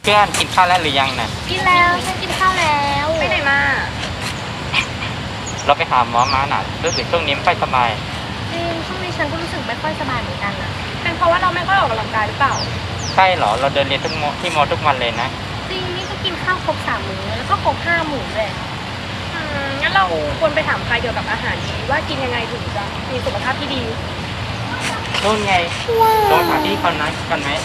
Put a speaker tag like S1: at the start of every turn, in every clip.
S1: เพื่อนกินข้าวแล้วหรือยังน่ะ
S2: กินแล้วฉันกินข้าวแล้ว
S3: ไปไหนมา
S1: เราไปหาหมอมาน่ะรู้สึกช่วงนี้ไม่ค่อยสบาย
S2: จริงช่วงนี้ฉันก็รู้สึกไม่ค่อยสบายเหมือนกันนะ
S3: เป็นเพราะว่าเราไม่ค่อยออกกำลังกายหรือเปล่า
S1: ใช่เหรอเราเดินเรียนที่มอทุกวันเลยนะ
S2: จริงนี่ก็กินข้าวครบ3 มื้อแล้วก็ครบ5 หมู่เลย
S3: งั้นเราควรไปถามใครเกี่ยวกับอาหารดีว่ากินยังไงถึงจะมีสุขภาพที่ดี
S1: นู่นไงลองถามที่เขานัดกันไหม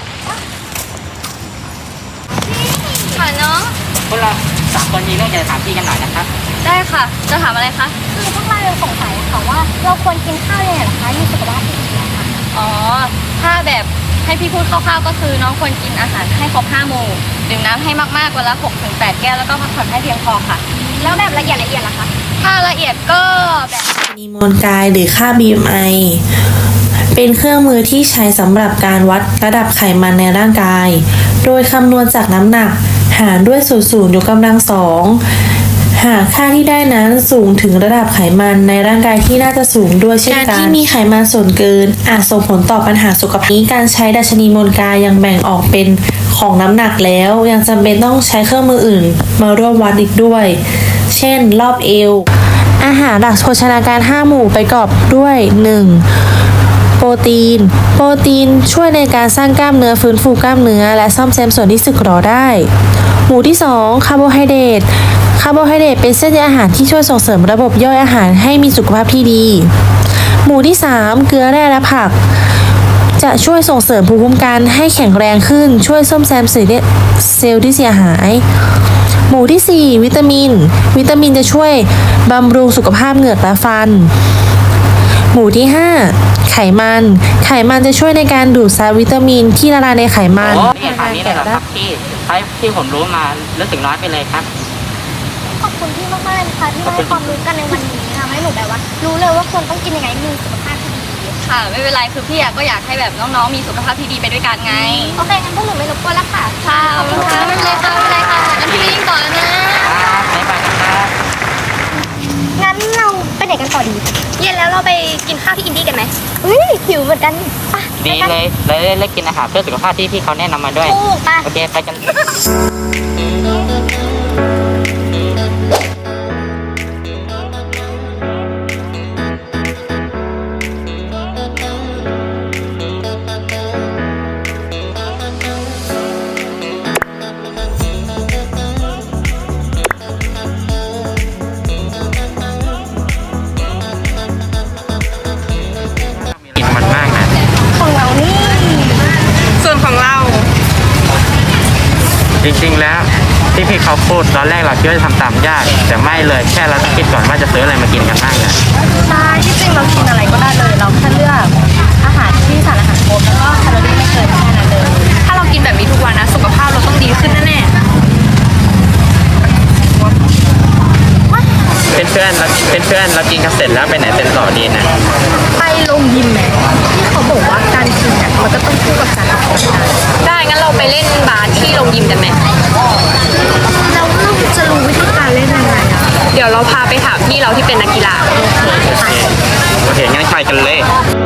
S2: ค่ะน้อง
S1: พวกเรา3 คนมีเรื่องจะถามพี่กันหน่อยนะครับ
S2: ได้ค่ะจะถามอะไรคะคือพวกเราสงสัยค่ะว่าเราควรกินข้าวยังไงคะมีสุขภาพที่ดีค่ะ
S4: อ๋อถ้าแบบให้พี่พูดคร่าวๆก็คือน้องควรกินอาหารให้ครบ5 หมู่ดื่มน้ำให้มากๆวันละ 6-8 แก้วแล้วก็พักผ่อนให้เพียงพอค่ะ
S2: แล้วแบบละเอียดล่ะคะ
S4: ถ้าละเอียดก็แบบ
S5: นีโมลกายหรือค่า BMI เป็นเครื่องมือที่ใช้สำหรับการวัดระดับไขมันในร่างกายโดยคำนวณจากน้ำหนักหารด้วยสูตร0ยกกำลัง2หากค่าที่ได้นั้นสูงถึงระดับไขมันในร่างกายที่น่าจะสูงด้วยเช่นกันการที่มีไขมันส่วนเกินอาจส่งผลต่อปัญหาสุขภาพนี้การใช้ดัชนีมวลกายยังแบ่งออกเป็นของน้ำหนักแล้วยังจำเป็นต้องใช้เครื่องมืออื่นมาร่วมวัดอีกด้วยเช่นรอบเอวอาหารหลักโภชนาการ5 หมู่ประกอบด้วย 1. โปรตีนช่วยในการสร้างกล้ามเนื้อฟื้นฟูกล้ามเนื้อและซ่อมแซมส่วนที่สึกหรอได้หมู่ที่2คาร์โบไฮเดรตเป็นเส้นใยอาหารที่ช่วยส่งเสริมระบบย่อยอาหารให้มีสุขภาพที่ดีหมู่ที่3เกลือแร่และผักจะช่วยส่งเสริมภูมิคุ้มกันให้แข็งแรงขึ้นช่วยซ่อมแซมเซลล์ที่เสียหายหมู่ที่4วิตามินจะช่วยบำรุงสุขภาพเหงือกและฟันหมู่ที่5ไขมันจะช่วยในการดูดซับวิตามินที่ละลายในไขมัน
S1: นี่ทางนี้เลยเหรอครับที่ผมรู้มารู้สึกน้อยไปเลยครับ
S2: ขอบคุณพี่มากๆเลยนะคะที่มาให้ความรู้กันในวันนี้ทำให้หนูแบบว่ารู้เลยว่าควรต้องกินยังไงมีสุขภาพที่ดี
S4: ค่ะไม่เป็นไรคือพี่ก็อยากให้แบบน้องๆมีสุขภาพที่ดีไปด้วยกันไง
S2: โอเคงั้นพวกหนูไม่รบกวนแล้วค่ะ
S4: ค่ะขอบคุณค่ะไม่เป็นไรค่ะงั้นพี่วิ่งต่อแล้วนะ
S1: บ๊ายบายครับ
S2: งั้นเราไปไหนกันต่อดี
S3: เย็นแล้วเราไปกินข้าวที่อินดี้กันไหม
S2: หิวเหมือนกัน
S1: ดีเลยเลยกินอาหารเพื่อสุขภาพที่พี่เขาแนะนำมาด้วยโอเคไปกัน
S2: ของเรานี่
S3: ส่วนของเรา
S1: จริงๆแล้วที่พี่เขาพูดตอนแรกเราคิดว่าจะทำตามยากแต่ไม่เลยแค่เราต้องคิดก่อนว่าจะซื้ออะไรมากินกันบ้างนะ
S2: ใช่ที่จริงเรากินอะไรก็ได้เลยเราแค่เลือกอาหารที่สารอาหารครบแล้วก็แคลอรี่ไม่เกินแค่นั้นเลย
S3: ถ้าเรากินแบบนี้ทุกวันนะสุขภาพเราต้องดีขึ้นแน่
S1: เป็นเพื่อนเรากินกันเสร็จแล้วไปไหนเป็นต่อดีนะ
S2: ไปลงยิมไหมที่เขาบอกว่าการกินเนี่ยมันจะต้องคู่กับการออกกำลังกาย
S3: ได้งั้นเราไปเล่นบาสที่โรงยิมกันไหม
S2: เราจะรู้วิธีการเล่นยังไงอะ
S3: เดี๋ยวเราพาไปถามพี่เราที่เป็นนักกีฬา
S1: โอเคงั้นไปกันเลย